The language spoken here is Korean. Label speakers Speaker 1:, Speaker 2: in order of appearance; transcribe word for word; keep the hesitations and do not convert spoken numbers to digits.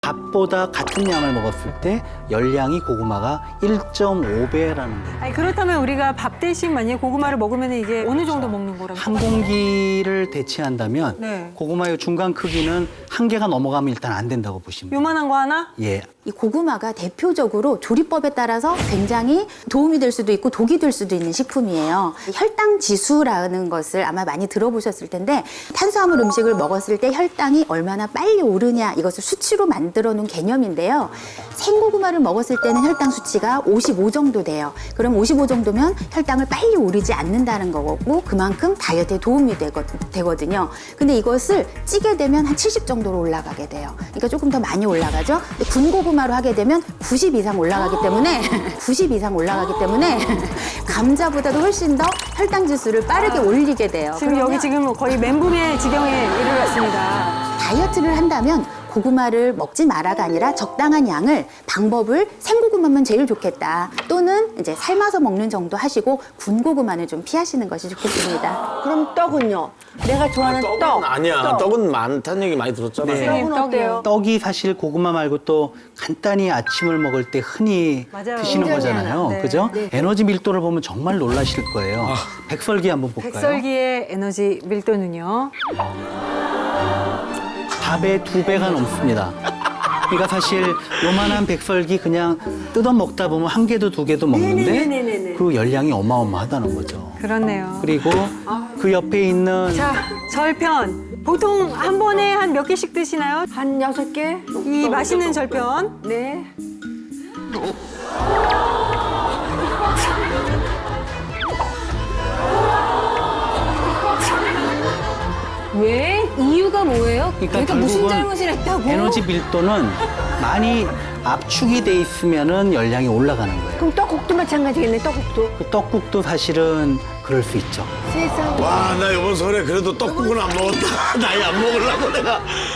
Speaker 1: 밥보다 같은 양을 먹었을 때 열량이 고구마가 일 점 오 배라는 거예요.
Speaker 2: 아니, 그렇다면 우리가 밥 대신 만약에 고구마를 먹으면 이게 어느 정도 먹는 거라고?
Speaker 1: 한 공기를 대체한다면
Speaker 2: 네.
Speaker 1: 고구마의 중간 크기는 한 개가 넘어가면 일단 안 된다고 보시면 돼요.
Speaker 2: 요만한 거 하나?
Speaker 1: 예.
Speaker 3: 이 고구마가 대표적으로 조리법에 따라서 굉장히 도움이 될 수도 있고 독이 될 수도 있는 식품이에요. 혈당 지수라는 것을 아마 많이 들어보셨을 텐데 탄수화물 음식을 먹었을 때 혈당이 얼마나 빨리 오르냐 이것을 수치로 만들어 놓은 개념인데요. 생고구마를 먹었을 때는 혈당 수치가 오십오 정도 돼요. 그럼 오십오 정도면 혈당을 빨리 오르지 않는다는 거고 그만큼 다이어트에 도움이 되거, 되거든요. 근데 이것을 찌게 되면 한 칠십 정도로 올라가게 돼요. 그러니까 조금 더 많이 올라가죠. 근데 군고구마로 하게 되면 구십 이상 올라가기 때문에 구십 이상 올라가기 때문에 감자보다도 훨씬 더 혈당 지수를 빠르게 올리게 돼요.
Speaker 2: 지금 여기 지금 거의 멘붕의 지경에 이르렀습니다.
Speaker 3: 다이어트를 한다면 고구마를 먹지 마라가 아니라 적당한 양을 방법을 생고구마면 제일 좋겠다. 또는 이제 삶아서 먹는 정도 하시고 군고구마는 좀 피하시는 것이 좋겠습니다.
Speaker 4: 그럼 떡은요? 내가 좋아하는
Speaker 5: 떡은
Speaker 4: 떡.
Speaker 5: 아니야.
Speaker 4: 떡.
Speaker 5: 떡은 많다는 얘기 많이 들었잖아요.
Speaker 1: 네.
Speaker 2: 선생님,
Speaker 4: 떡은 어때요?
Speaker 1: 떡이 사실 고구마 말고 또 간단히 아침을 먹을 때 흔히
Speaker 2: 맞아요.
Speaker 1: 드시는
Speaker 2: 굉장히
Speaker 1: 거잖아요.
Speaker 2: 하나. 네.
Speaker 1: 그죠? 에너지 밀도를 보면 정말 놀라실 거예요. 백설기 한번 볼까요?
Speaker 2: 백설기의 에너지 밀도는요?
Speaker 1: 밥의 두 배가 넘습니다. 그러니까 사실 요만한 백설기 그냥 뜯어 먹다 보면 한 개도 두 개도 먹는데 그 열량이 어마어마하다는 거죠.
Speaker 2: 그렇네요.
Speaker 1: 그리고 그 옆에 있는
Speaker 2: 자, 절편. 보통 한 번에 한 몇 개씩 드시나요?
Speaker 4: 한 여섯 개?
Speaker 2: 이 맛있는 절편.
Speaker 4: 네.
Speaker 6: 왜? 이유가 뭐예요?
Speaker 1: 그러니까
Speaker 6: 내가 무슨
Speaker 1: 결국은
Speaker 6: 잘못을 했다고?
Speaker 1: 에너지 밀도는 많이 압축이 돼 있으면은 열량이 올라가는 거예요.
Speaker 4: 그럼 떡국도 마찬가지겠네, 떡국도.
Speaker 1: 그 떡국도 사실은 그럴 수 있죠.
Speaker 4: 세상에.
Speaker 5: 와, 나 이번 설에 그래도 떡국은 안 먹었다. 나이 안 먹으려고 내가